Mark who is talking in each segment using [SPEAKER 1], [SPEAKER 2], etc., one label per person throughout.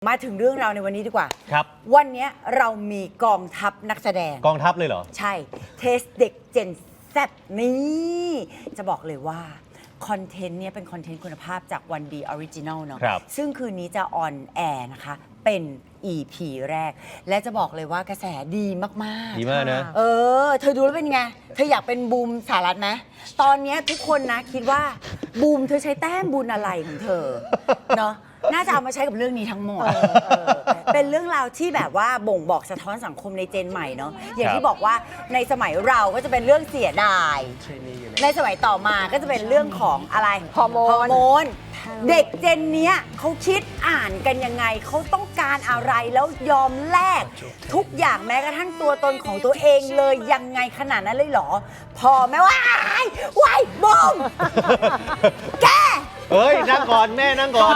[SPEAKER 1] มาถึงเรื่องราวในวันนี้ดีกว่า
[SPEAKER 2] ครับ
[SPEAKER 1] วันนี้เรามีกองทัพนักแสดง
[SPEAKER 2] กองทัพเลยเหรอ
[SPEAKER 1] ใช่เทสเด็กเจนแซนี่จะบอกเลยว่าคอนเทนต์เนี่ยเป็นคอนเทนต์คุณภาพจากวันดีออริจินัลเนาะซึ่งคืนนี้จะออนแอร์นะคะเป็น EP แรกและจะบอกเลยว่ากระแสดีมาก
[SPEAKER 2] ๆดีมากนะ
[SPEAKER 1] เธอดูแล้วเป็นไงเธออยากเป็นบูมสารัตไหมตอนนี้ทุกคนนะคิดว่าบูมเธอใช้แต้มบุญอะไรของเธอเนาะน่าจะเอามาใช้กับเรื่องนี้ทั้งหมดเป็นเรื่องราวที่แบบว่าบ่งบอกสะท้อนสังคมในเจนใหม่เนาะอย่างที่บอกว่าในสมัยเราก็จะเป็นเรื่องเสียดายในสมัยต่อมาก็จะเป็นเรื่องของอะไรฮอร์โมนเด็กเจนนี้เขาคิดอ่านกันยังไงเขาต้องการอะไรแล้วยอมแลกทุกอย่างแม้กระทั่งตัวตนของตัวเองเลยยังไงขนาดนั้นเลยเหรอพอไหมว่าวายบูมแก
[SPEAKER 2] เฮ้ยนั่งก่อนแม่นั่งก่อน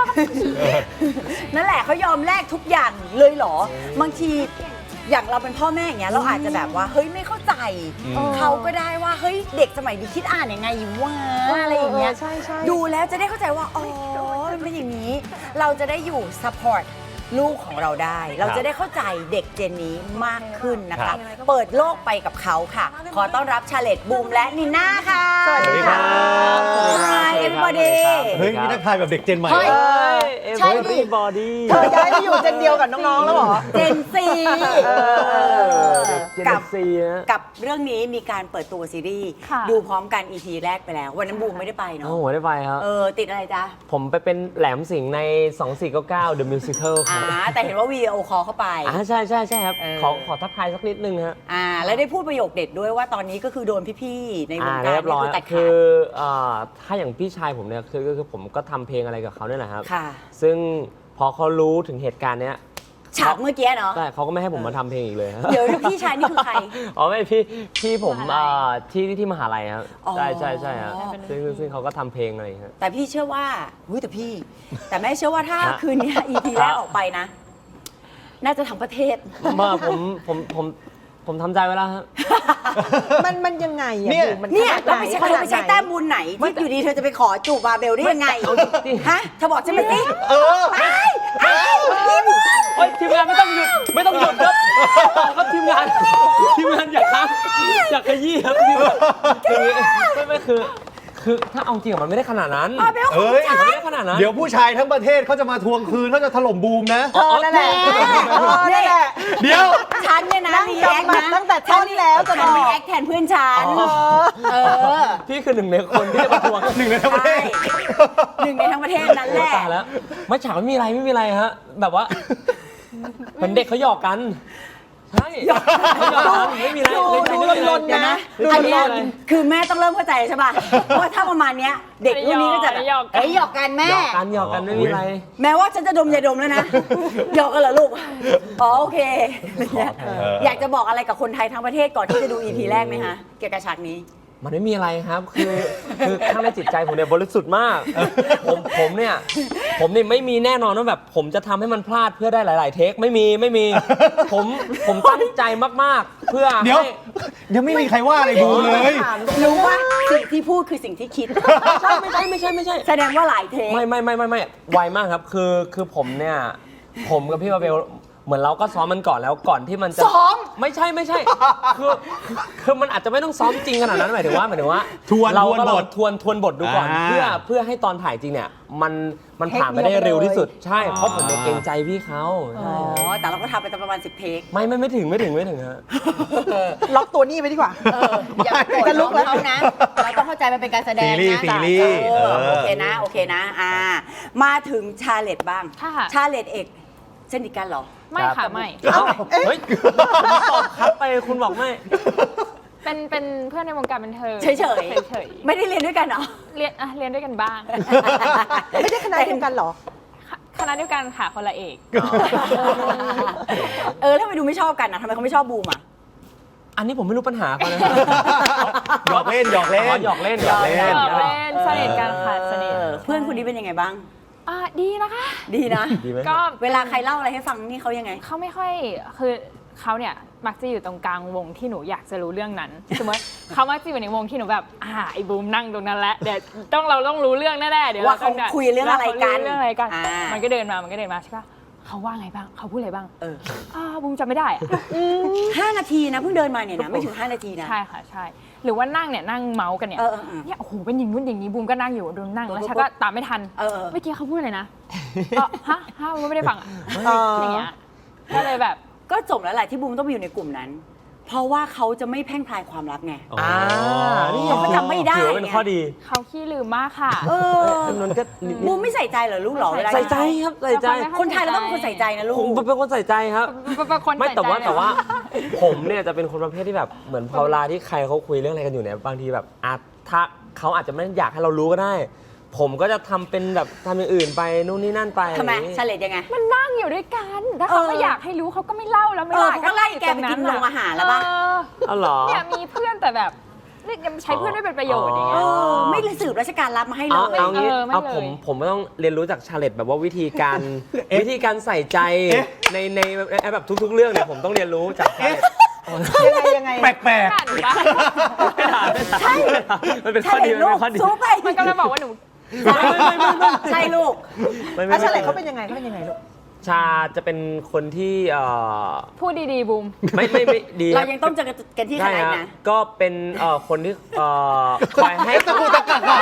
[SPEAKER 1] นั่นแหละเขายอมแลกทุกอย่างเลยเหรอบางทีอย่างเราเป็นพ่อแม่อย่างเงี้ยเราอาจจะแบบว่าเฮ้ยไม่เข้าใจเขาก็ได้ว่าเฮ้ยเด็กสมัยนี้คิดอ่านยังไงอยู่วะอะไรอย่างเงี้ยดูแล้วจะได้เข้าใจว่าอ๋อมันเป็นอย่างนี้เราจะได้อยู่ซัพพอร์ตลูกของเราได้เราจะได้เข้าใจเด็กเจนนี้มากขึ้นนะคะเปิดโลกไปกับเขาค่ะขอต้อนรับชาเลตบูมและนิน่าค่ะ
[SPEAKER 2] สวัสดีครับ
[SPEAKER 1] Hi everybody
[SPEAKER 2] เฮ้ยมีนักทายแบบเด็กเจนใหม่
[SPEAKER 1] ใช่ดิ
[SPEAKER 3] everybody เธอย้ายไปอยู่เจนเดียวกับน้องๆแล้วเหรอ
[SPEAKER 1] เจนซีกับเรื่องนี้มีการเปิดตัวซีรีส์ดูพร้อมกัน EP แรกไปแล้ววันนั้นบูมไม่ได้ไปเนาะ
[SPEAKER 3] โอ้โหได้ไปครับ
[SPEAKER 1] ติดอะไรจ๊ะ
[SPEAKER 3] ผมไปเป็นแหลมสิงห์ใน2499 The Musical ครับ
[SPEAKER 1] แต่เห็นว่าวีดีโอคอลเข้าไป
[SPEAKER 3] ใช่ครับขอทักทายสักนิดนึงฮะ
[SPEAKER 1] แล้วได้พูดประโยคเด็ดด้วยว่าตอนนี้ก็คือโดนพี่ๆในวงการ
[SPEAKER 3] นี่คือตัดขาดถ้าอย่างพี่ชายผมเนี่ยคือผมก็ทำเพลงอะไรกับเขาเนี่ยแหละครับซึ่งพอเขารู้ถึงเหตุการณ์เนี้ย
[SPEAKER 1] ฉากเมื่อกี้เนาะ
[SPEAKER 3] ใช่เขาก็ไม่ให้ผมมาทำเพลงอีกเลย
[SPEAKER 1] เดี๋ยวพี่ชายนี่คือใคร
[SPEAKER 3] ไม่พี่ผมที่มหาลัยครับใช่ครับซึ่งเขาก็ทำเพลงอะไรครับ
[SPEAKER 1] แต่พี่เชื่อว่าแต่แม่เชื่อว่าถ้าคืนนี้ EP แรกออกไปนะน่าจะทั้งประเทศ
[SPEAKER 3] ผมทำใจไว้แล้วครับ
[SPEAKER 4] มันยังไง
[SPEAKER 1] เนี่ยเราไปใช้แต้มบุญไหนที่อยู่ดีเธอจะไปขอจูบบาเบลได้ยังไงฮะเธอบอกใช่ไหมสิ
[SPEAKER 3] ทีมงานไม่ต้องหยุดครับทีมงานอยากขยี้ครับไม่คือถ้าเอาจริงมันไม่ได้ขนาดนั้น
[SPEAKER 2] ไม่ได้ขนาดนั้นเดี๋ยวผู้ชายทั้งประเทศเขาจะมาทวงคืนเขาจะถล่มบูมนะ
[SPEAKER 4] นั่นแหละ
[SPEAKER 2] เดี๋ยว
[SPEAKER 1] ฉันเนี่ยนะรีแอคนะ
[SPEAKER 4] ตั้งแต่ต้นแล้ว
[SPEAKER 1] ฉันรีแอคแทนเพื่อนฉัน
[SPEAKER 3] พี่คือหนึ่งในคนที่จะมาทวง
[SPEAKER 2] หนึ่งในทั้งประเทศ
[SPEAKER 1] นั่นแหละ
[SPEAKER 3] แล้วไม่ฉากไม่มีอะไรฮะแบบว่าเหมือนเด็กเขาหยอกกันใช่ไม่มีอะไร
[SPEAKER 1] ลนนะอันนี้คือแม่ต้องเริ่มเข้าใจใช่ป่ะว่าถ้าประมาณนี้เด็กรุ่นนี้ก็จะหยอกกันแม่
[SPEAKER 3] หยอกกันไม่มีอะไร
[SPEAKER 1] แม้ว่าฉันจะดมยาดมแล้วนะหยอกกันเหรอลูกโอเคอยากจะบอกอะไรกับคนไทยทั้งประเทศก่อนที่จะดู EP แรกไหมคะเกี่ยวกับฉากนี้
[SPEAKER 3] มันไม่มีอะไรครับคือข้างในจิตใจผมเนี่ยบริสุทธิ์มากผมเนี่ยไม่มีแน่นอนว่าแบบผมจะทำให้มันพลาดเพื่อได้หลายๆเทคไม่มีผมตั้งใจมากๆเพื่อ
[SPEAKER 2] เดี๋ยวยังไม่มีใครว่าอะไรดูเลย
[SPEAKER 1] รู้ว่าสิ่งที่พูดคือสิ่งที่คิด
[SPEAKER 3] ไม่ใช่
[SPEAKER 1] แสดงว่าหลายเทค
[SPEAKER 3] ไม่ไวมากครับคือผมเนี่ยผมกับพี่บาเบลเหมือนเราก็ซ้อมมันก่อนแล้วก่อนที่มันจะ
[SPEAKER 1] ซ้อม
[SPEAKER 3] ไม่ใช่คือมันอาจจะไม่ต้องซ้อมจริงขนาดนั้นหมายถึงว่าเราทวนบทดูก่อนเพื่อให้ตอนถ่ายจริงเนี่ยมันผ่านไปได้เร็วที่สุดใช่เพราะผมเกรงใจพี่เขา
[SPEAKER 1] แต่เราก็ทำไปประมาณ10เทค
[SPEAKER 3] ไม่ถึงฮะ
[SPEAKER 4] ล็อกตัวนี้ไปดีกว่า
[SPEAKER 1] อย่าจะลุกแล้วเขานะเราต้องเข้าใจมันเป็นการแสดงนะ
[SPEAKER 2] ซีรีส์
[SPEAKER 1] โอเคนะมาถึงชาเลตบ้างชาเลตเอกเช่นเดียวกันเหรอ
[SPEAKER 5] ไม่ค่ะไม่
[SPEAKER 3] เฮ้ยตอบครับไปคุณบอกไม่
[SPEAKER 5] เป็นเพื่อนในวงการบันเทิง
[SPEAKER 1] เฉยไม่ได้เรียนด้วยกันเหรอ
[SPEAKER 5] เรียนด้วยกันบ้าง
[SPEAKER 4] ไม่ได้คณะเดียวกันเหรอ
[SPEAKER 5] คณะเดียวกันค่ะคนละเอก
[SPEAKER 1] แล้วทำไมดูไม่ชอบกันนะทำไมเขาไม่ชอบบูมอ่ะ
[SPEAKER 3] อันนี้ผมไม่รู้ปัญหาเขานะ
[SPEAKER 2] หยอกเล่น
[SPEAKER 5] สนิทกันค่ะสนิท
[SPEAKER 1] เพื่อนคนนี้เป็นยังไงบ้าง
[SPEAKER 5] ดีนะคะ
[SPEAKER 1] ดีนะ
[SPEAKER 5] ก็
[SPEAKER 1] เวลาใครเล่าอะไรให้ฟังนี่เขายังไง
[SPEAKER 5] เขาไม่ค่อยคือเขาเนี่ยมักจะอยู่ตรงกลางวงที่หนูอยากจะรู้เรื่องนั้นสมมติเขามักจะอยู่ในวงที่หนูแบบไอ้บูมนั่งตรงนั้นแหละเดี๋ยวเราต้องรู้เรื่องแน่ๆเดี๋ยว
[SPEAKER 1] ว่าเขาคุยเรื่องอะไรกัน
[SPEAKER 5] มันก็เดินมาใช่ปะเขาว่าไงบ้างเขาพูดอะไรบ้าง
[SPEAKER 1] ๆ
[SPEAKER 5] บูมจำไม่ได้อะ
[SPEAKER 1] 5 นาทีนะเพิ่งเดินมาเนี่ยนะไม่ถึง 5 นาทีนะ
[SPEAKER 5] ใช่ค่ะใช่หรือว่านั่งเนี่ยนั่งเมาส์กันเนี่ย เนี่ยโอ้โหเป็นอย่างนู้นอย่างนี้บูมก็นั่งอยู่ดูนั่งแล้วฉันก็ตามไม่ทันเมื่อกี้เขาพูดอะไรนะฮะบูมไม่ได้ฟังอ่ะอย่างเงี้ยก็เลยแบบ
[SPEAKER 1] ก็จบแล้วแหละที่บูมต้องมาอยู่ในกลุ่มนั้น เพราะว่าเขาจะไม่แพร่งพรายความลับไง
[SPEAKER 3] นี่
[SPEAKER 1] เขาก็จำไม่ได้
[SPEAKER 3] ถือว่าเป็นข้อดี
[SPEAKER 5] เขาขี้ลืมมากค่ะ
[SPEAKER 3] นนท์ก็นิด
[SPEAKER 1] บูมไม่ใส่ใจเหรอลูกเหรอเวลา
[SPEAKER 3] ใส่ใจครับใส่ใจ
[SPEAKER 1] คนไทยเราต้องเป็นคนใส่ใจนะลูก
[SPEAKER 3] ผมเป็นคนใส่ใจครับ
[SPEAKER 5] เป็นคน
[SPEAKER 3] ไม่
[SPEAKER 5] ใส่ใจ
[SPEAKER 3] แต่ว่าผมเนี่ยจะเป็นคนประเภทที่แบบเหมือนพอเวลาที่ใครเขาคุยเรื่องอะไรกันอยู่เนี่ยบางทีแบบถ้าเขาอาจจะไม่อยากให้เรารู้ก็ได้ ผมก็จะทำเป็นแบบทำอย่างอื่นไปนู่นนี่นั่นไป
[SPEAKER 1] ทำไม
[SPEAKER 3] อะไรอย่างงี้
[SPEAKER 1] เฉลยยังไง
[SPEAKER 5] มันนั่งอยู่ด้วยกันถ้าเขาไม่อยากให้รู้เขาก็ไม่เล่าแล้วไม่
[SPEAKER 1] เขาก็ไล่แกไปกินโรงอาหารแล้วป่ะ
[SPEAKER 3] อ๋อเหรอ
[SPEAKER 5] เนี่ยมีเพื่อนแต่แบบนี่ยังใช้เพื่อนไม่เป็นประโยชน์อย่างเงี้ย
[SPEAKER 1] ไม่เลยสืบราชการรับมาให้เล
[SPEAKER 3] เอา
[SPEAKER 1] ย
[SPEAKER 3] งี้
[SPEAKER 5] ไม่
[SPEAKER 3] เอา
[SPEAKER 5] เลย
[SPEAKER 3] ผมไม่ต้องเรียนรู้จากชาเลตแบบว่าวิธีการ วิธีการใส่ใจในแบบทุกๆเรื่องเนี่ยผมต้องเรียนรู้จากชาเลต
[SPEAKER 4] ยังไง
[SPEAKER 2] แปลก
[SPEAKER 5] อ่านปะ
[SPEAKER 1] ใช่
[SPEAKER 3] มันเป็นข้อดีมันเป็นข้อดี
[SPEAKER 1] ซูไป
[SPEAKER 5] มันกำลังบอกว่าหนู
[SPEAKER 1] ใช่ลูก
[SPEAKER 4] อาชาเลตเขาเป็นยังไงลูก
[SPEAKER 3] ชาจะเป็นคนที่
[SPEAKER 5] พูดดีๆบูม
[SPEAKER 3] ไม่ดี
[SPEAKER 1] เรายังต้องเจอกันที่ค
[SPEAKER 3] ใช่
[SPEAKER 1] ณะ
[SPEAKER 3] ฮะ
[SPEAKER 1] นะ
[SPEAKER 3] ก็เป็นคนที่คอยให้ตะกูตะกัก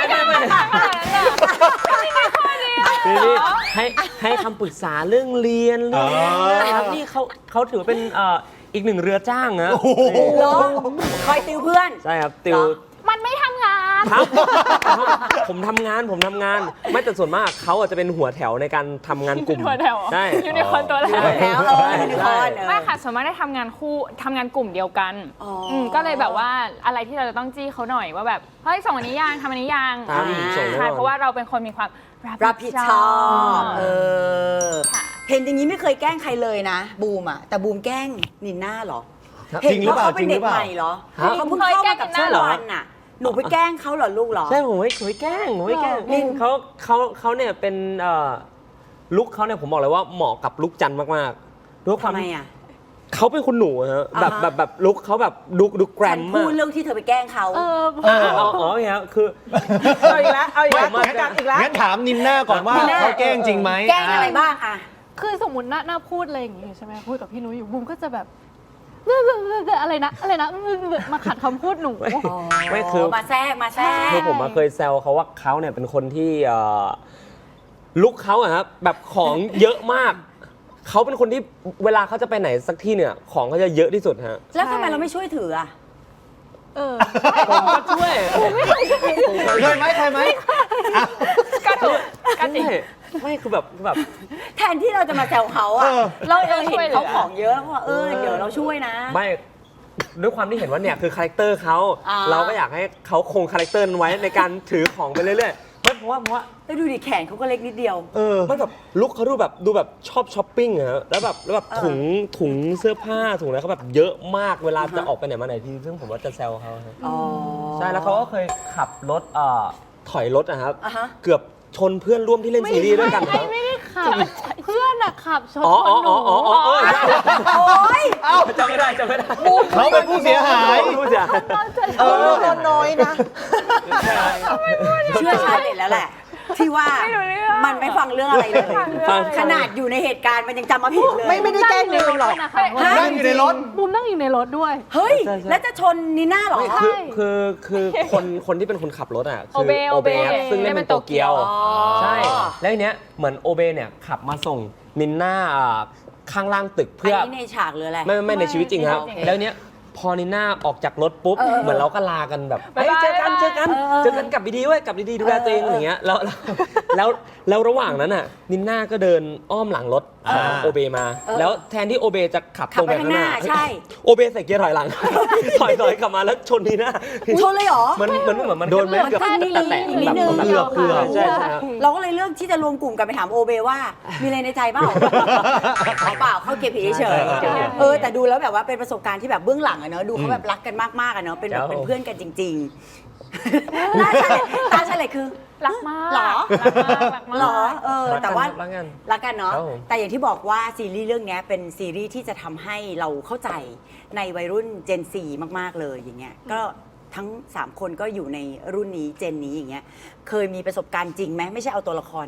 [SPEAKER 3] นี่ให้คำปรึกษาเรื่องเรียนเรื่องนะครับนี่เขาถือเป็นอีกหนึ่งเรือจ้างนะ
[SPEAKER 1] เหรอคอยติวเพื่อน
[SPEAKER 3] ใช่ครับติว
[SPEAKER 5] มันไม่ทำงาน
[SPEAKER 3] ครับผมทำงานไม่แต่ส่วนมากเขาอาจจะเป็นหัวแถวในการทำงานกลุ่ม
[SPEAKER 5] หัวแถว
[SPEAKER 3] ใช่
[SPEAKER 5] ยูนิคอร์นตัวแรก
[SPEAKER 1] แล้วยูนิคอร์น
[SPEAKER 5] ไม่ค่ะส่วนมากได้ทำงานคู่ทำงานกลุ่มเดียวกัน
[SPEAKER 1] อ๋อ
[SPEAKER 5] ก็เลยแบบว่าอะไรที่เราจะต้องจี้เขาหน่อยว่าแบบเฮ้ยส่งอันนี้ยังทำอันนี้ยัง
[SPEAKER 3] ตามส่งแน่นอน
[SPEAKER 5] ใช่เพราะว่าเราเป็นคนมีความ
[SPEAKER 1] รับผิดชอบ
[SPEAKER 5] ค่ะ
[SPEAKER 1] เห็นอย่างนี้ไม่เคยแกล้งใครเลยนะ บูมอ่ะแต่บูมแกล้งนินน่าเหรอ
[SPEAKER 2] จริงหรือเปล่า
[SPEAKER 1] ห็นขป็นด็กใหม่เหรอเขาเพิ่งเข้ามากับช่องวันน่ะหนูไปแกล้งเขาเหรอลูกเหรอ
[SPEAKER 3] ใช่ผมไม่แกล้งนี่เขาเนี่ยเป็นลุคเขาเนี่ยผมบอกเลยว่าเหมาะกับลุคจันมากๆด้วยความ
[SPEAKER 1] ทำไมอ่ะ
[SPEAKER 3] เขาเป็นคนหนูฮะแบบลุคเขาแบบดูแกร
[SPEAKER 1] ฉั
[SPEAKER 3] ม
[SPEAKER 1] น
[SPEAKER 3] มา
[SPEAKER 1] พู
[SPEAKER 3] ก
[SPEAKER 1] ดเรื่องที่เธอไปแกล้งเขา
[SPEAKER 3] อ๋อเนี่ยคือ
[SPEAKER 4] เอาอีกแล้วอีกแล้ว
[SPEAKER 2] งั้นถามนินน่าก่อนว่า
[SPEAKER 1] นินน่า
[SPEAKER 2] เขาแกล้งจริงไหม
[SPEAKER 1] แกล้งอะไรบ้างอ่ะ
[SPEAKER 6] คือสมมติหน้าพูดอะไรอย่างงี้ใช่ไหมพูดกับพี่นุ้ยอยู่บูมก็จะแบบอะไรนะมาขัดคำพูดหนู
[SPEAKER 3] ไม่คือ
[SPEAKER 1] มาแทรก
[SPEAKER 3] คือผมเคยแซวเขาว่าเขาเนี่ยเป็นคนที่ลุคเขาอะครับแบบของเยอะมากเขาเป็นคนที่เวลาเขาจะไปไหนสักที่เนี่ยของเขาจะเยอะที่สุดฮะ
[SPEAKER 1] แล้วทำไมเราไม่ช่วยถืออ่ะ
[SPEAKER 3] ผมก็ช่วย
[SPEAKER 2] เคยไหม
[SPEAKER 5] ก็ถูกก็จริง
[SPEAKER 3] ไม่คือแบบ
[SPEAKER 1] แทนที่เราจะมาแซวเขาอ่ะเราเห็นเขาของเยอะแล้วก็เดี๋ยวเราช่วยนะ
[SPEAKER 3] ไม่ด้วยความที่เห็นว่าเนี่ยคือคาแรคเตอร์เขา เราก็อยากให้เขาคงคาแรคเตอร์นั้นไว้ในการถือของไปเรื่อยๆเพราะว่า
[SPEAKER 1] แล้วดูดิแขนเขาก็เล็กนิดเดียว
[SPEAKER 3] ไม่แบบลุคเขาดูแบบชอบช้อปปิ้งอะฮะแล้วแบบถุงเสื้อผ้าถุงอะไรเขาแบบเยอะมากเวลาจะออกไปไหนมาไหนทีซึ่งผมว่าจะแซวเขาฮะใช่แล้วเขาก็เคยขับรถถอยรถอะครับ เกือบชนเพื่อนร่วมที่เล่นซีรีส์ด้วยกันครับ
[SPEAKER 6] ไม่ได้ขับเพื่อนอะขับชน
[SPEAKER 3] อ๋อ
[SPEAKER 6] หนู
[SPEAKER 1] โอ๊ย
[SPEAKER 3] จำไม่ได้
[SPEAKER 2] เขาเป็นผู้เสียหาย
[SPEAKER 3] ผู้เสียหาย
[SPEAKER 4] น้อยนะ
[SPEAKER 1] เชื่อชาเลตแล้วแหละ ที่ว่า
[SPEAKER 5] ไม่รู้เรื่อง
[SPEAKER 1] มันไม่ฟังเรื่องอะไรเลย
[SPEAKER 3] ฟัง
[SPEAKER 1] ขนาดอยู่ในเหตุการณ์มันยังจำมาผิดเลย
[SPEAKER 4] ไม่ได้แกล้งลืมหรอก
[SPEAKER 2] นั่งอยู่ในรถ
[SPEAKER 6] บูมนั่งอยู่ในรถด้วย
[SPEAKER 1] เฮ้ย แล้วจะชนนีน่าเหรอ
[SPEAKER 3] ไม่คือคนที่เป็นคนขับรถอ่ะคือ
[SPEAKER 5] โอเบ
[SPEAKER 3] ครับซึ่งเล่นเป็นโตเกียว
[SPEAKER 1] อ๋อ
[SPEAKER 3] ใช่ แล้วทีเนี้ยเหมือนโอเบเนี่ยขับมาส่งนินน่าข้างล่างตึก
[SPEAKER 1] อัน
[SPEAKER 3] เพื่อ
[SPEAKER 1] นี้ในฉากหรืออะไร
[SPEAKER 3] ไม่ในชีวิตจริงครับ
[SPEAKER 1] โอเค
[SPEAKER 3] แล้วเนี้ยพอนิน่าออกจากรถปุ๊บ เหมือนเราก็ลากันแบบ
[SPEAKER 5] บ๊าย
[SPEAKER 3] เฮ้ย
[SPEAKER 5] บาย
[SPEAKER 3] เจอกันกลับดีๆเว้ยกลับดีๆดูแลตัวเองอะไรเงี้ยแล้วระหว่างนั้นน่ะนิน่าก็เดินอ้อมหลังรถของโอเบมา แล้วแทนที่โอเบจะขับ
[SPEAKER 1] ขั
[SPEAKER 3] ต
[SPEAKER 1] บ
[SPEAKER 3] รง
[SPEAKER 1] ไป
[SPEAKER 3] ไป
[SPEAKER 1] ข้า
[SPEAKER 3] ข้าง ง
[SPEAKER 1] ห
[SPEAKER 3] ห
[SPEAKER 1] น้า
[SPEAKER 3] น้า
[SPEAKER 1] ใช่
[SPEAKER 3] โอเบใส่เกียร์ถอยหลัง ถอยกลับมาแล้วชนนิน่า
[SPEAKER 1] ชนเลยเหรอ
[SPEAKER 3] มันเหมือนโดนไหมเกือบ
[SPEAKER 1] แค่นี้
[SPEAKER 3] แตะ
[SPEAKER 1] อีกนิดนึง
[SPEAKER 3] เกือบใช่ครับ
[SPEAKER 1] เราก็เลยเลือกที่จะรวมกลุ่มกันไปถามโอเบว่า มีอะไรในใจเปล่าเปล่าเข้าเกมผีเฉย
[SPEAKER 3] ใช่
[SPEAKER 1] แต่ดูแล้วแบบว่าเป็นประสบการณ์ที่แบบเบื้องหลังอะเนอะดูเขาแบบรักกันมากๆอะเนอะเป็นแบบเป็นเพื่อนกันจริงๆตาเฉลยคือ
[SPEAKER 5] รักมาก
[SPEAKER 1] หรอ
[SPEAKER 5] รักมาก
[SPEAKER 1] หรอแต่ว่า
[SPEAKER 3] รักกัน
[SPEAKER 1] รักกันเนาะ
[SPEAKER 3] ครับผม
[SPEAKER 1] แต่อย่างที่บอกว่าซีรีส์เรื่องนี้เป็นซีรีส์ที่จะทำให้เราเข้าใจในวัยรุ่น Gen 4 มากๆเลยอย่างเงี้ยก็ทั้ง 3 คนก็อยู่ในรุ่นนี้เจนนี้อย่างเงี้ยเคยมีประสบการณ์จริงไหมไม่ใช่เอาตัวละครนะ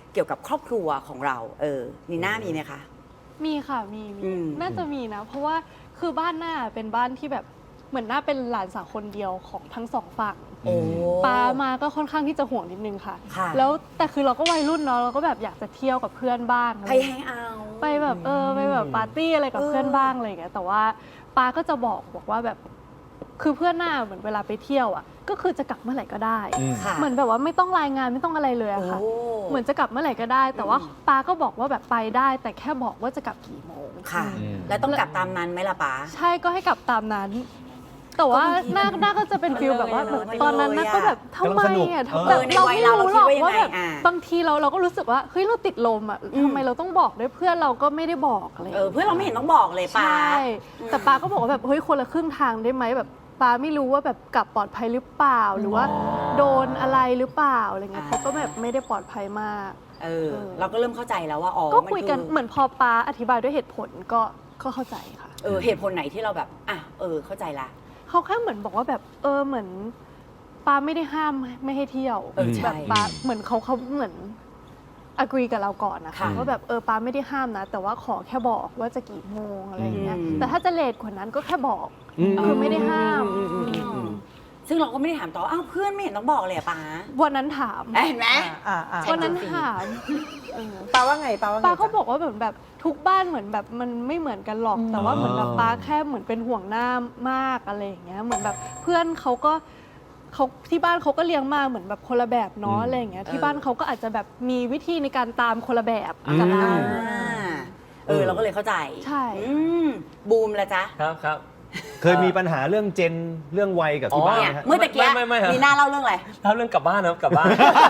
[SPEAKER 1] เกี่ยวกับครอบครัวของเรานีน่ามีไหมคะ
[SPEAKER 6] มีค่ะมี น่าจะมีนะ เพราะว่าคือบ้านหน้าเป็นบ้านที่แบบเหมือนหน้าเป็นหลานสาวคนเดียวของทั้งสองฝั่ง
[SPEAKER 1] โอ้
[SPEAKER 6] ป้ามาก็ค่อนข้างที่จะห่วงนิดนึงค่ะ
[SPEAKER 1] ค่ะ
[SPEAKER 6] แล้วแต่คือเราก็วัยรุ่นเนาะเราก็แบบอยากจะเที่ยวกับเพื่อนบ้างอะไร
[SPEAKER 1] ไปแฮงเอาท์
[SPEAKER 6] ไปแบบไปแบบปาร์ตี้อะไรกับเพื่อนบ้างอะไรอย่างเงี้ยแต่ว่าป้าก็จะบอกว่าแบบคือเพื่อนหน้าเหมือนเวลาไปเที่ยวอ่ะก็คือจะกลับเมื่อไหร่ก็ได้
[SPEAKER 1] ค่ะ
[SPEAKER 6] เหมือนแบบว่าไม่ต้องรายงานไม่ต้องอะไรเลยอะค่ะ
[SPEAKER 1] โอ้
[SPEAKER 6] เหมือนจะกลับเมื่อไหร่ก็ได้ แต่ว่าป้าก็บอกว่าแบบไปได้ แต่แค่บอกว่าจะกลับกี่โมง
[SPEAKER 1] ค่ะ แล้วต้องกลับตามนั้นไหมล่ะป๋า
[SPEAKER 6] ใช่ก็ให้กลับตามนั้น แต่ว่าหน้าก็จะเป็นฟิลแบบว่า
[SPEAKER 1] เลย
[SPEAKER 6] ตอนนั้นน่าก็แบบทำไมอ่ะ
[SPEAKER 1] กำลังสนุก
[SPEAKER 6] แบบ
[SPEAKER 1] ใน
[SPEAKER 6] เรา
[SPEAKER 1] วัย
[SPEAKER 6] ไม่
[SPEAKER 1] เรา
[SPEAKER 6] รู้หรอก
[SPEAKER 1] เราคิดว่ายังไง
[SPEAKER 6] ว่าแบบ
[SPEAKER 1] อ่า
[SPEAKER 6] บางทีเราก็รู้สึกว่าเฮ้ยเราติดลมอ่ะทำไมเราต้องบอกด้วยเพื่อนเราก็ไม่ได้บอกอะไรอย่างเงี้ย
[SPEAKER 1] เพื่อนเราไม่เห็นต้องบอกเลยป๋า
[SPEAKER 6] ใช่แต่ป้าก็บอกว่าแบบเฮ้ยคนละครึ่งทางได้ไหมแบบป้าไม่รู้ว่าแบบกลับปลอดภัยหรือเปล่า หรือว่าโดนอะไรหรือเปล่าอะไรเงี้ยเขาก็แบบไม่ได้ปลอดภัยมาก
[SPEAKER 1] เราก็เริ่มเข้าใจแล้วว่า
[SPEAKER 6] ก็
[SPEAKER 1] มัน
[SPEAKER 6] คุยกันเหมือนพอป้าอธิบายด้วยเหตุผลก็เข้าใจค่ะ
[SPEAKER 1] เหตุผลไหนที่เราแบบเข้าใจละ
[SPEAKER 6] เขาแค่เหมือนบอกว่าแบบเหมือนป้าไม่ได้ห้ามไม่ให้เที่ยว
[SPEAKER 1] ใช่
[SPEAKER 6] แบบป้าเหมือนเขาเหมือนagree กับเราก่อนนะคะ
[SPEAKER 1] ค่ะ
[SPEAKER 6] ว่าแบบป้าไม่ได้ห้ามนะ แต่ว่าขอแค่บอกว่าจะกี่โมงอะไรอย่างเงี้ย
[SPEAKER 1] อืม
[SPEAKER 6] แต่ถ้าจะเลทกว่านั้นก็แค่บอกคือไม่ได้ห้าม
[SPEAKER 1] ซึ่งเราก็ไม่ได้ถามต่อเพื่อนไม่เห็นต้องบอกเลยอะป๋า
[SPEAKER 6] วันนั้นถาม
[SPEAKER 1] เห็นไหม
[SPEAKER 6] วันนั้นถาม
[SPEAKER 4] ป้าว่าไงป้าว่าไง
[SPEAKER 6] ป้าก็บอกว่าแบบทุกบ้านเหมือนแบบมันไม่เหมือนกันหรอก แต่ว่าเหมือนแบบป้าแค่เหมือนเป็นห่วงหน้ามากอะไรอย่างเงี้ยเหมือนแบบเพื่อนเขาที่บ้านเขาก็เลี้ยงมาเหมือนแบบคนละแบบเนาะอะไรอย่างเงี้ยที่บ้านเขาก็อาจจะแบบมีวิธีในการตามคนละแบบกับเรา
[SPEAKER 1] เราก็เลยเข้าใจ
[SPEAKER 6] ใช่
[SPEAKER 1] บูมละจ๊ะ
[SPEAKER 3] ครับ
[SPEAKER 2] เคยมีปัญหาเรื่องเจนเรื่องวัยกับที่บ้าน
[SPEAKER 1] เนี่ย
[SPEAKER 2] ไหมฮะ
[SPEAKER 1] เมื่อตะกี้
[SPEAKER 3] ไม่ครับ
[SPEAKER 1] มีหน้าเล่าเรื่องอะไร
[SPEAKER 3] เล่าเรื่องกลับบ้านนะครับกลับบ้าน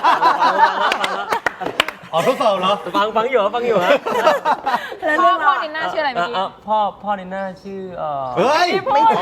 [SPEAKER 2] อ๋อทดสอบเหรอ
[SPEAKER 3] ฟังอยู่ครับฟังอยู่ครับ
[SPEAKER 5] พ่อนินน่าชื่ออะไรเมื่อกี้
[SPEAKER 3] พ่อนินน่าชื่อ
[SPEAKER 2] เฮ้ย
[SPEAKER 3] ไม่มี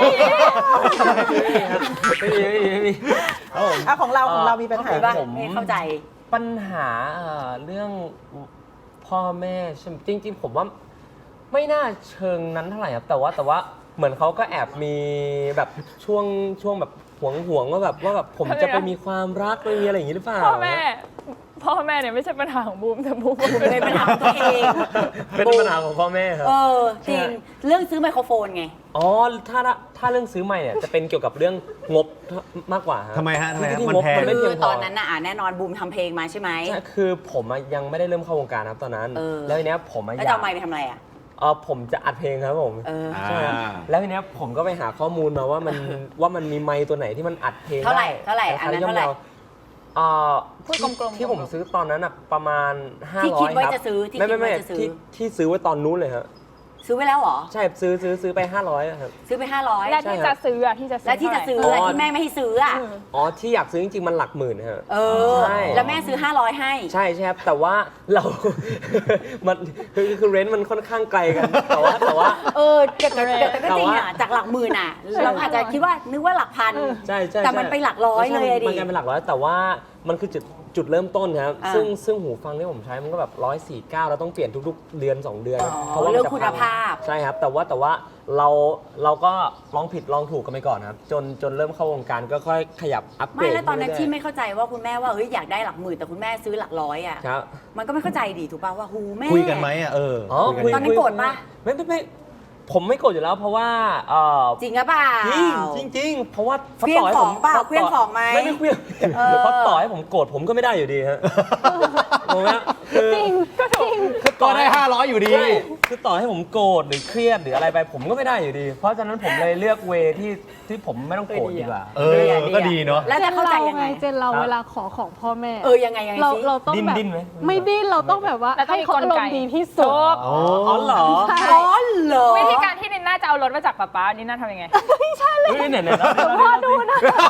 [SPEAKER 4] ของเรามีปัญหา
[SPEAKER 1] เห็นปะไม่เข้าใจ
[SPEAKER 3] ปัญหาเรื่องพ่อแม่ใช่ไหมจริงๆผมว่าไม่น่าเชิงนั้นเท่าไหร่ครับแต่ว่าเหมือนเขาก็แอบมีแบบช่วงแบบห่วงว่าแบบผมจะไปมีความรักไปมีอะไรอย่างนี้หรือเปล่า
[SPEAKER 5] พ่อแม่เนี่ยไม่ใช่ปัญหาของบูมแต่บูม
[SPEAKER 1] เป็นปัญหาของตัวเอง
[SPEAKER 3] เป็นปัญหาของพ่อแม่ครับ
[SPEAKER 1] จริงเรื่องซื้อไมโครโฟนไง
[SPEAKER 3] อ๋อถ้าเรื่องซื้อใหม่เนี่ยจะเป็นเกี่ยวกับเรื่องงบมากกว่า
[SPEAKER 2] ทำไมฮะ
[SPEAKER 3] ที่
[SPEAKER 2] มัน
[SPEAKER 3] งบ
[SPEAKER 2] แพง
[SPEAKER 3] มันไม่
[SPEAKER 1] คื
[SPEAKER 3] เพีย
[SPEAKER 1] อง
[SPEAKER 3] พอ
[SPEAKER 1] ตอนนั้นน่ะแน่นอนบูมทำเพลงมาใช่ไหม
[SPEAKER 3] ใช่คือผมยังไม่ได้เริ่มเข้าวงการครับตอนนั้น แล้วทีเนี้ยผม
[SPEAKER 1] แล้ว
[SPEAKER 3] อยา
[SPEAKER 1] จะ
[SPEAKER 3] ก
[SPEAKER 1] เอาไมค์ไปทำอะไรอ่ะ
[SPEAKER 3] ผมจะอัดเพลงครับผม ใช่ครับ
[SPEAKER 2] อ่า
[SPEAKER 3] แล้วทีเนี้ยผมก็ไปหาข้อมูลมาว่ามันมีไมค์ตัวไหนที่มันอัดเพลง
[SPEAKER 1] เท่าไหร่
[SPEAKER 3] ด้
[SPEAKER 1] เท่าไหร่อันนั้นเท่าไหร่
[SPEAKER 5] พูดกลมๆ
[SPEAKER 3] ที่ผมซื้อตอนนั้นอ่ะประมาณ500
[SPEAKER 1] ที่คิดว่า
[SPEAKER 3] ครับ
[SPEAKER 1] จะซื้อที่
[SPEAKER 3] ไม่
[SPEAKER 1] คิดว่า
[SPEAKER 3] ไม่
[SPEAKER 1] จะซื้อ
[SPEAKER 3] ที่ซื้อไว้ตอนนู้นเลยครับ
[SPEAKER 1] ซื้อไว้แล้วเหรอ
[SPEAKER 3] ใช่ซื้อไป500อะครับ
[SPEAKER 1] ซื้อไป500
[SPEAKER 5] และที่จะซื้อ
[SPEAKER 1] และที่จะซื้อ
[SPEAKER 5] เท่าไหร่
[SPEAKER 1] ที่แม่ไม่ให้ซื้ออ่ะ
[SPEAKER 3] อ๋อที่อยากซื้อจริงๆมันหลักหมื่นครับ ใช่
[SPEAKER 1] แล้วแม่ซื้อ500ให้
[SPEAKER 3] ใช่ครับแต่ว่าเรา มันคือเรนต์มันค่อนข้างไกลกันแต่ว่า
[SPEAKER 1] แต่ก็จริงอ่ะจากหลักหมื่นอ่ะเราอาจจะคิดว่านึกว่าหลักพัน
[SPEAKER 3] ใช่
[SPEAKER 1] แต่มันไปหลักร้อยเลยอะดิ
[SPEAKER 3] มันกลายเป็นหลักร้อยแต่ว่ามันคือจุดเริ่มต้นครับซึ่งหูฟังที่ผมใช้มันก็แบบ149แล้วต้องเปลี่ยนทุกๆเดือน2เดือนเพราะว่า
[SPEAKER 1] เรื่อง
[SPEAKER 3] มันจะ
[SPEAKER 1] คุณภาพ
[SPEAKER 3] ใช่ครับแต่ว่าเราก็ลองผิดลองถูกกันไปก่อนครับจนเริ่มเข้าวงการก็ค่อยขยับอัปเกร
[SPEAKER 1] ไม่
[SPEAKER 3] ด
[SPEAKER 1] แล้วตอนนั้น
[SPEAKER 3] เรื่ยๆ
[SPEAKER 1] ที่ไม่เข้าใจว่าคุณแม่ว่าอยากได้หลักหมื่นแต่คุณแม่ซื้อหลักร้อยอ่ะ
[SPEAKER 3] ครับ
[SPEAKER 1] มันก็ไม่เข้าใจดีถูกป่ะว่าหูแม่
[SPEAKER 2] คุยกันไหมอ่ะคุย
[SPEAKER 1] ตอนนั้นโกรธปะ
[SPEAKER 3] ไม่ผมไม่โกรธอยู่แล้วเพราะว่า
[SPEAKER 1] จริงหรือเปล่า
[SPEAKER 3] จริงเพราะว่า
[SPEAKER 1] เครื่องของเปล่าเครื่องของไหม
[SPEAKER 3] ไม่เครื่องเพราะต่อให้ผมโกรธผมก็ไม่ได้อยู่ดีฮะงงไหมคือ
[SPEAKER 6] จริงก็จริง
[SPEAKER 2] ก็ได้500อยู่ดี
[SPEAKER 3] ใช่คือต่อให้ผมโกรธหรือเครียดหรืออะไรไปผมก็ไม่ได้อยู่ดี เพราะฉะนั้นผมเลยเลือกเวที่ผมไม่ต้องโกรธดีกว่า
[SPEAKER 2] ก็ดีเนาะ
[SPEAKER 1] แล้วจะเข้าใจยังไง
[SPEAKER 6] เจนเราเวลาขอของพ่อแม่
[SPEAKER 1] ยังไง
[SPEAKER 6] เรา
[SPEAKER 1] สิ
[SPEAKER 6] เราต้องแบบ
[SPEAKER 3] ดิ้นไหม
[SPEAKER 6] ไม่ดิ้นเราต้องแบบว่า
[SPEAKER 5] แล้วต้อง
[SPEAKER 6] ให้
[SPEAKER 5] มี
[SPEAKER 6] เขา
[SPEAKER 5] กล
[SPEAKER 6] อาร
[SPEAKER 5] ไก
[SPEAKER 6] มณ์ดีที่สุด
[SPEAKER 3] อ๋อเหรอ
[SPEAKER 6] ใช่
[SPEAKER 1] อ๋อเหรอ
[SPEAKER 5] วิธีการที่นินน่าจะเอารถมาจากป๊านินน่าทำยังไง
[SPEAKER 3] เฮ้ยเนี่ย
[SPEAKER 6] พ่อดูนะ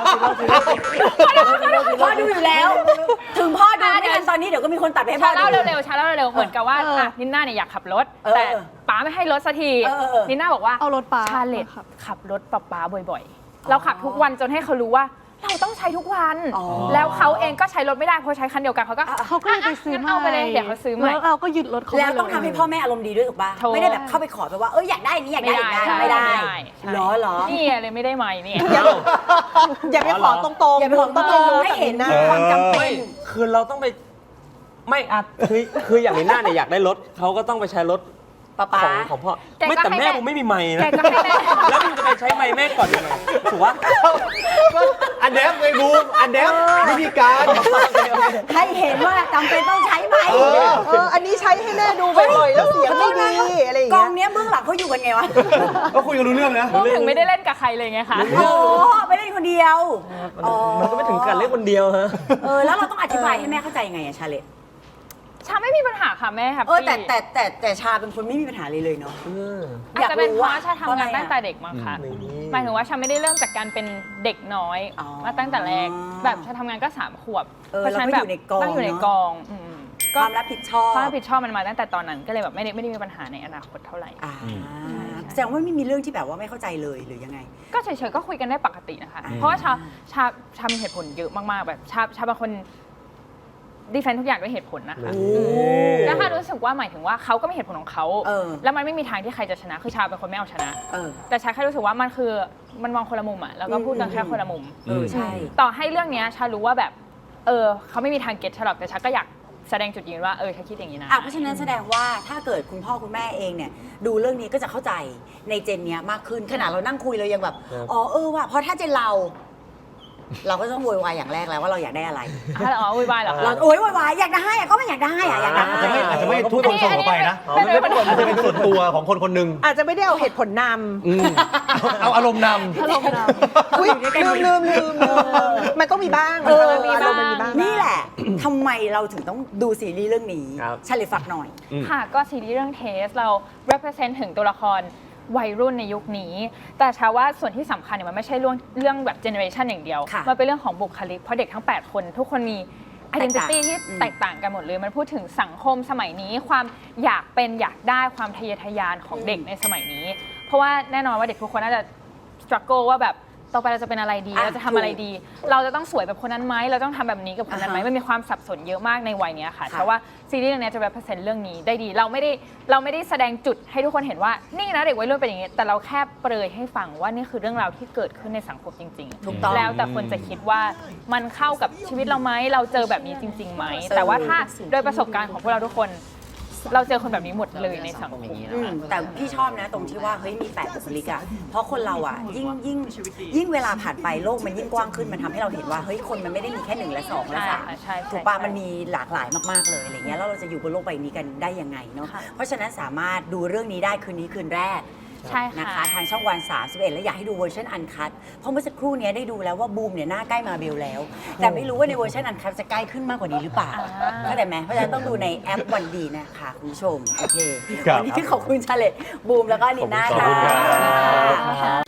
[SPEAKER 1] พ่อดูอยู่แล้ว ถึงพ่อดูไม่ทันตอนนี้เดี๋ยวก็มีคนตัดไปให้พ่
[SPEAKER 5] ชา
[SPEAKER 1] อ
[SPEAKER 5] เล่า
[SPEAKER 1] ดู
[SPEAKER 5] เร็วๆชาเล่าเร็วๆเหมือนกับว่านินน่าเนี่ยอยากขับรถ แต่ป๊าไม่ให้รถสักที นินน่าบอกว่า
[SPEAKER 6] เอารถป๊า
[SPEAKER 5] ชาเลตขับรถป๊าบ่อยๆ เราขับทุกวันจนให้เขารู้ว่าเราต้องใช้ทุกวัน แล้วเขาเองก็ใช้รถไม่ได้เพราะใช้คันเดียวกันเขาก็
[SPEAKER 6] เขาก็เลยไปซื้อ
[SPEAKER 5] งั้นเอาไปเลยเดี๋ยวเขาซื้อใหม่
[SPEAKER 6] แล้วเราก็ยึดรถเขาไป
[SPEAKER 1] แล้วต้องทำให้พ่อแม่อารมณ์ดีด้วยถูกป่ะ ไม่ได้แบบเข้าไปขอไปว่าอยากได้นี้อยากได้อย่างนั้นไม่ได้ เหรอ
[SPEAKER 5] นี่เลยไม่ได้ใหม่เนี่ย
[SPEAKER 4] อย่าไปขอตรงๆ
[SPEAKER 1] อย่าไปขอตรงๆให้เห็นนะความจำเป็น
[SPEAKER 3] คือเราต้องไปไม่คืออย่างนี้หน้าเนี่ยอยากได้รถเขาก็ต้องไปใช้รถ
[SPEAKER 1] ป๊า
[SPEAKER 3] ของพ่อ
[SPEAKER 5] แกก็
[SPEAKER 3] ไม่แต่
[SPEAKER 5] ให้
[SPEAKER 3] แม่
[SPEAKER 5] แม่
[SPEAKER 3] ผมไม่มีไมค์นะ
[SPEAKER 5] แกก็ให้แม่
[SPEAKER 3] แล้วมึงจะไปใช้ไมค์แม่ก่อนยังไงถูกปะ
[SPEAKER 2] อันเดฟไงบูมอันเดฟวิธีการ
[SPEAKER 1] ให้เห็นว่าจำเป็นต้องใช้ไหม
[SPEAKER 4] อันนี้ใช้ให้แม่ดูบ่อยๆแล้วเสียงไม่ดีอะไรอย่าง
[SPEAKER 1] กอ
[SPEAKER 4] เงี้
[SPEAKER 1] ง
[SPEAKER 4] ย
[SPEAKER 1] เนี้ยเบื้องหลังเขาอยู่กันไงวะ
[SPEAKER 2] ก็คุยกันรู้เรื่องนะ
[SPEAKER 5] บูมถึงไม่ได้เล่นกับใครเลยไงคะ
[SPEAKER 1] โอ้ไปเล่นคนเดียว
[SPEAKER 3] มันก็ไม่ถึงกันเล่นคนเดียวฮะ
[SPEAKER 1] แล้วเราต้องอธิบายให้แม่เข้าใจยังไงอะชาเลต
[SPEAKER 5] ชาไม่มีปัญหาค่ะแม่แฮป
[SPEAKER 1] แต่ชาเป็นคนไม่มีปัญหาเลยเนาะ
[SPEAKER 5] อาจจะเป็นเพราะว่าชาทำงาน
[SPEAKER 1] เพราะอะไรอะ
[SPEAKER 5] ตั้งแต่เด็กมาค่ะหมายถึงว่าชาไม่ได้เริ่มจากการเป็นเด็กน้อย
[SPEAKER 1] อ๋อ
[SPEAKER 5] มาตั้งแต่แรกแบบชาทำงานก็3 ขวบ
[SPEAKER 1] เราก็อยู่ในกอง
[SPEAKER 5] ต้องอยู่ในกอง
[SPEAKER 1] ความรับผิดชอบ
[SPEAKER 5] ความรับผิดชอบมันมาตั้งแต่ตอนนั้นก็เลยแบบไม่ได้มีปัญหาในอนาคตเท่าไหร่
[SPEAKER 1] แสดงว่าไม่มีเรื่องที่แบบว่าไม่เข้าใจเลยหรือยังไง
[SPEAKER 5] ก็เฉยๆก็คุยกันได้ปกตินะคะ
[SPEAKER 1] อ่า
[SPEAKER 5] เพราะว่าชามีเหตุผลเยอะมากๆแบบชาเป็นคนดีเฟนทุกอย่างด้วยเหตุผลนะคะแล้วชารู้สึกว่าหมายถึงว่าเขาก็มีเหตุผลของเขาแล้วมันไม่มีทางที่ใครจะชนะคือชาเป็นคนไม่เอาชนะ แต่ชาแค่รู้สึกว่ามันมองคนละมุมอะแล้วก็พูดกันแค่คนละมุม
[SPEAKER 1] ใช่
[SPEAKER 5] ต่อให้เรื่องเนี้ยชารู้ว่าแบบเขาไม่มีทางเก็ตชาหรอกแต่ชาก็อยากแสดงจุดยืนว่าชาคิดอย่างนี้นะ
[SPEAKER 1] เพราะฉะนั้นแสดงว่าถ้าเกิดคุณพ่อคุณแม่เองเนี่ยดูเรื่องนี้ก็จะเข้าใจในเจนเนี้ยมากขึ้นขนาดเรานั่งคุยเรายังแบบว่ะเพราะถ้าเจนเราก็ต้องโวยวายอย่างแรกแล้วว่าเราอยากได้อะไร
[SPEAKER 5] วุ่นวายเหรอ
[SPEAKER 1] เราโวยวายอยากได้อะก็ไม่อยากได้อะอยากได้
[SPEAKER 2] อาจจะไม่ทุกคนส่งออกไปนะ
[SPEAKER 5] อันนี้เป็น
[SPEAKER 2] อาจจะเป็นส่วนตัวของคนคนหนึ่ง
[SPEAKER 4] อาจจะไม่ได้เอาเหตุผลน
[SPEAKER 2] เอาอารมณ์น
[SPEAKER 4] ำอุ้ยลืมมันต้องมีบ้าง
[SPEAKER 5] มันมีบ้าง
[SPEAKER 4] มันมีบ้าง
[SPEAKER 1] นี่แหละทำไมเราถึงต้องดูซีรีส์เรื่องนี้
[SPEAKER 3] ครับ
[SPEAKER 1] ชาเลฝากหน่อย
[SPEAKER 5] ค่ะก็ซีรีส์เรื่องเทสเรา represent ถึงตัวละครวัยรุ่นในยุคนี้ แต่ชาว่าส่วนที่สำคัญเนี่ยมันไม่ใช่เรื่องแบบ generation อย่างเดียว
[SPEAKER 1] ค่ะ
[SPEAKER 5] มันเป็นเรื่องของบุคลิกเพราะเด็กทั้ง 8 คนทุกคนมี identity ที่แตกต่างกันหมดเลย มันพูดถึงสังคมสมัยนี้ ความอยากเป็นอยากได้ความทะเยอทะยานของเด็กในสมัยนี้ เพราะว่าแน่นอนว่าเด็กทุกคนน่าจะ struggle ว่าแบบต่อไปเราจะเป็นอะไรดี เราจะทำอะไรดี เราจะต้องสวยแบบคนนั้นไหมเราต้องทำแบบนี้กับคนนั้นไหมมันมีความสับสนเยอะมากในวัยเนี้ยค่ะเพราะว่าซีรีส์เรื่องนี้จะ represent เรื่องนี้ได้ดีเราไม่ได้แสดงจุดให้ทุกคนเห็นว่านี่นะเด็กวัยรุ่นเป็นอย่างนี้แต่เราแค่เปรยให้ฟังว่านี่คือเรื่องราวที่เกิดขึ้นในสังคมจริงๆ
[SPEAKER 1] ถูกต้อง
[SPEAKER 5] แล้วแต่คนจะคิดว่ามันเข้ากับชีวิตเราไหมเราเจอแบบนี้จริงๆไหมแต่ว่าถ้าโดยประสบการณ์ของพวกเราทุกคน เราเจอคนแบบนี้หมดเลยในสังคม
[SPEAKER 1] แต่พี่ชอบนะตรงที่ว่าเฮ้ยมี8บุคลิกอะเพราะคนเราอะยิ่งเวลาผ่านไปโลกมันยิ่งกว้างขึ้นมันทำให้เราเห็นว่าเฮ้ยคนมันไม่ได้มีแค่1และ2และ
[SPEAKER 5] ใช่
[SPEAKER 1] 3ถูกปะมันมีหลากหลายมากๆเลยอะไรเงี้ยแล้วเราจะอยู่บนโลกใบนี้กันได้ยังไงเนาะเพราะฉะนั้นสามารถดูเรื่องนี้ได้คืนนี้คืนแรก
[SPEAKER 5] ใช่
[SPEAKER 1] นะ
[SPEAKER 5] ค่ะ
[SPEAKER 1] คะทางช่องวัน 31 และอยากให้ดูเวอร์ชันอันคัทเพราะเมื่อสักครู่นี้ได้ดูแล้วว่าบูมเนี่ยหน้าใกล้มาเบลแล้ว แต่ไม่รู้ว่าในเวอร์ชันอันคัทจะใกล้ขึ้นมากกว่านี้หรือเปล่าเข้าใจไหมเพราะฉะนั้นต้องดูในแอปวันดีนะคะคุณผู้ชมโอเค
[SPEAKER 2] ครับ
[SPEAKER 1] วันนี้ขอบคุณชาเลตบูมแล้วก็ลินน่า
[SPEAKER 2] ขอบคุณครับ
[SPEAKER 1] ค่ะ